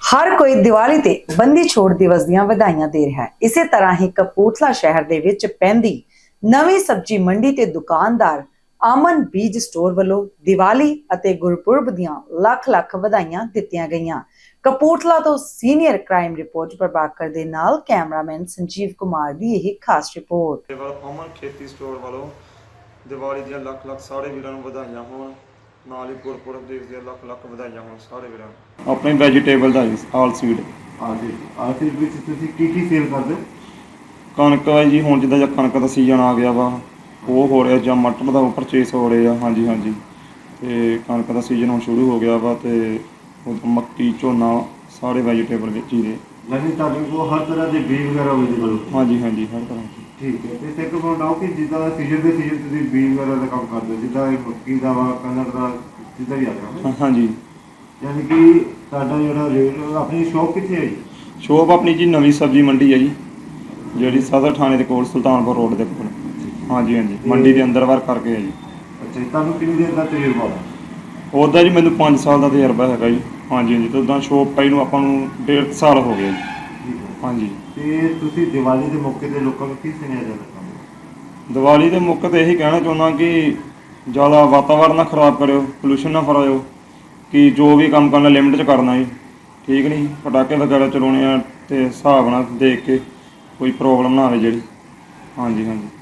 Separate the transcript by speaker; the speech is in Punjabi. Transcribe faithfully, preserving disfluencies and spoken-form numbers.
Speaker 1: हर कोई दिवाली ते बंदी छोड़ दिवस ਦੀਆਂ ਵਧਾਈਆਂ ਦੇ ਰਿਹਾ ਹੈ। ਇਸੇ ਤਰ੍ਹਾਂ ਹੀ ਕਪੂਰਥਲਾ ਸ਼ਹਿਰ ਦੇ ਵਿੱਚ ਪੈਂਦੀ ਨਵੀਂ ਸਬਜ਼ੀ ਮੰਡੀ ਤੇ ਦੁਕਾਨਦਾਰ ਆਮਨ ਬੀਜ ਸਟੋਰ ਵੱਲੋਂ ਦੀਵਾਲੀ ਅਤੇ ਗੁਰਪੁਰਬ ਦੀਆਂ ਲੱਖ ਲੱਖ ਵਧਾਈਆਂ ਦਿੱਤੀਆਂ ਗਈਆਂ। ਕਪੂਰਥਲਾ ਤੋਂ ਸੀਨੀਅਰ ਕ੍ਰਾਈਮ ਰਿਪੋਰਟ ਪ੍ਰਭਾਕਰ ਦੇ ਨਾਲ ਕੈਮਰਾਮੈਨ ਸੰਜੀਵ ਕੁਮਾਰ ਦੀ ਇਹ ਖਾਸ ਰਿਪੋਰਟ।
Speaker 2: ਅਮਨ ਖੇਤੀ ਸਟੋਰ ਵੱਲੋਂ ਦੀਵਾਲੀ ਦੀਆਂ ਲੱਖ ਲੱਖ ਸਾਰੇ ਵੀਰਾਂ ਨੂੰ ਵਧਾਈਆਂ ਹੋਣ। ਨਾਲ ਹੀ ਗੁਰਪੁਰਬ ਦੇ ਦੀਆਂ ਲੱਖ ਲੱਖ ਵਧਾਈਆਂ ਹੋਣ ਸਾਰੇ ਵੀਰਾਂ ਨੂੰ। ਆਪਣੇ ਵੈਜੀਟੇਬਲ ਦਾ ਆਲ ਸੀਡ
Speaker 3: ਆਜੀ ਆਲ ਸੀਡ ਵਿੱਚ ਤੁਸੀਂ ਕੀ ਕੀ ਸੇਲ ਕਰਦੇ ਹੋ?
Speaker 2: ਕਣਕ ਹੈ ਜੀ, ਹੁਣ ਜਿੱਦਾਂ ਜਾਂ ਕਣਕ ਦਾ ਸੀਜ਼ਨ ਆ ਗਿਆ ਵਾ ਉਹ ਹੋ ਰਿਹਾ, ਜਾਂ ਮਟਰ ਦਾ ਪਰਚੇਸ ਹੋ ਰਿਹਾ। ਹਾਂਜੀ ਹਾਂਜੀ ਤੇ ਕਣਕ ਦਾ ਸੀਜ਼ਨ ਹੁਣ ਸ਼ੁਰੂ ਹੋ ਗਿਆ ਵਾ ਤੇ ਮੱਕੀ ਝੋਨਾ ਸਾਰੇ ਵੈਜੀਟੇਬਲ ਵਿੱਚ ਹੀ ਨੇ।
Speaker 3: ਯਾਨੀ ਤੁਹਾਡੇ ਕੋਲ ਹਰ ਤਰ੍ਹਾਂ ਦੇ ਬੀਜ ਵਗੈਰਾ ਅਵੇਲੇਬਲ ਹੋ?
Speaker 2: ਹਾਂਜੀ ਹਾਂਜੀ ਹਰ ਤਰ੍ਹਾਂ ਦੀ।
Speaker 3: ਠੀਕ ਹੈ। ਤੇ ਇੱਕ ਪੁਆਇੰਟ ਆਓ ਕਿ ਜਿੱਦਾਂ ਸੀਜ਼ਨ ਦੇ ਸੀਜ਼ਨ ਤੁਸੀਂ ਬੀਜ ਵਗੈਰਾ ਦਾ ਕੰਮ ਕਰਦੇ ਹੋ, ਜਿੱਦਾਂ ਇਹ ਮੱਕੀ ਦਾ ਵਾ, ਕਣਕ ਦਾ, ਜਿੱਦਾਂ ਵੀ ਆ ਗਿਆ।
Speaker 2: ਹਾਂਜੀ
Speaker 3: ਯਾਨੀ ਕਿ ਤੁਹਾਡਾ ਜਿਹੜਾ ਰੇਟ ਆਪਣੀ ਸ਼ੌਪ ਕਿੱਥੇ ਹੈ ਜੀ?
Speaker 2: ਸ਼ੋਪ ਆਪਣੀ ਜੀ ਨਵੀਂ ਸਬਜ਼ੀ ਮੰਡੀ ਹੈ ਜੀ, ਜਿਹੜੀ ਸਦਰ ਥਾਣੇ ਦੇ ਕੋਲ ਸੁਲਤਾਨਪੁਰ ਰੋਡ ਦੇ ਕੋਲ। ਹਾਂਜੀ ਹਾਂਜੀ ਮੰਡੀ ਦੇ ਅੰਦਰ ਬਾਹਰ ਕਰਕੇ ਹੈ ਜੀ।
Speaker 3: ਅੱਛਾ ਜੀ, ਤੁਹਾਨੂੰ ਕਿੰਨੀ ਦੇਰ ਦਾ ਤਜਰਬਾ ਹੈ?
Speaker 2: ਉਹਦਾ ਜੀ ਮੈਨੂੰ ਪੰਜ ਸਾਲ ਦਾ ਤਜਰਬਾ ਹੈਗਾ ਜੀ। ਹਾਂਜੀ ਹਾਂਜੀ ਤੇ ਉੱਦਾਂ ਸ਼ੋਪ ਪਾਈ ਨੂੰ ਆਪਾਂ ਨੂੰ ਡੇਢ ਸਾਲ ਹੋ ਗਿਆ ਜੀ। ਹਾਂਜੀ।
Speaker 3: ਤੇ ਤੁਸੀਂ ਦੀਵਾਲੀ ਦੇ ਮੌਕੇ ਤੇ ਲੋਕਾਂ ਨੂੰ ਕੀ ਸੁਨੇਹਾ ਦੇਣਾ ਚਾਹੁੰਦੇ?
Speaker 2: ਦੀਵਾਲੀ ਦੇ ਮੌਕੇ ਤੇ ਇਹੀ ਕਹਿਣਾ ਚਾਹੁੰਦਾ ਕਿ ਜ਼ਿਆਦਾ ਵਾਤਾਵਰਨ ਨਾ ਖਰਾਬ ਕਰਿਓ, ਪੋਲੂਸ਼ਨ ਨਾ ਫੈਲਾਇਓ, ਕਿ ਜੋ ਵੀ ਕੰਮ ਕਰਨਾ ਲਿਮਿਟ 'ਚ ਕਰਨਾ ਜੀ। ਠੀਕ ਨਹੀਂ, ਪਟਾਕੇ ਵਗੈਰਾ ਚਲਾਉਣੇ ਆ ਤੇ ਹਿਸਾਬ ਨਾਲ ਦੇਖ ਕੇ, ਕੋਈ ਪ੍ਰੋਬਲਮ ਨਾ ਆਵੇ ਜਿਹੜੀ। ਹਾਂਜੀ ਹਾਂਜੀ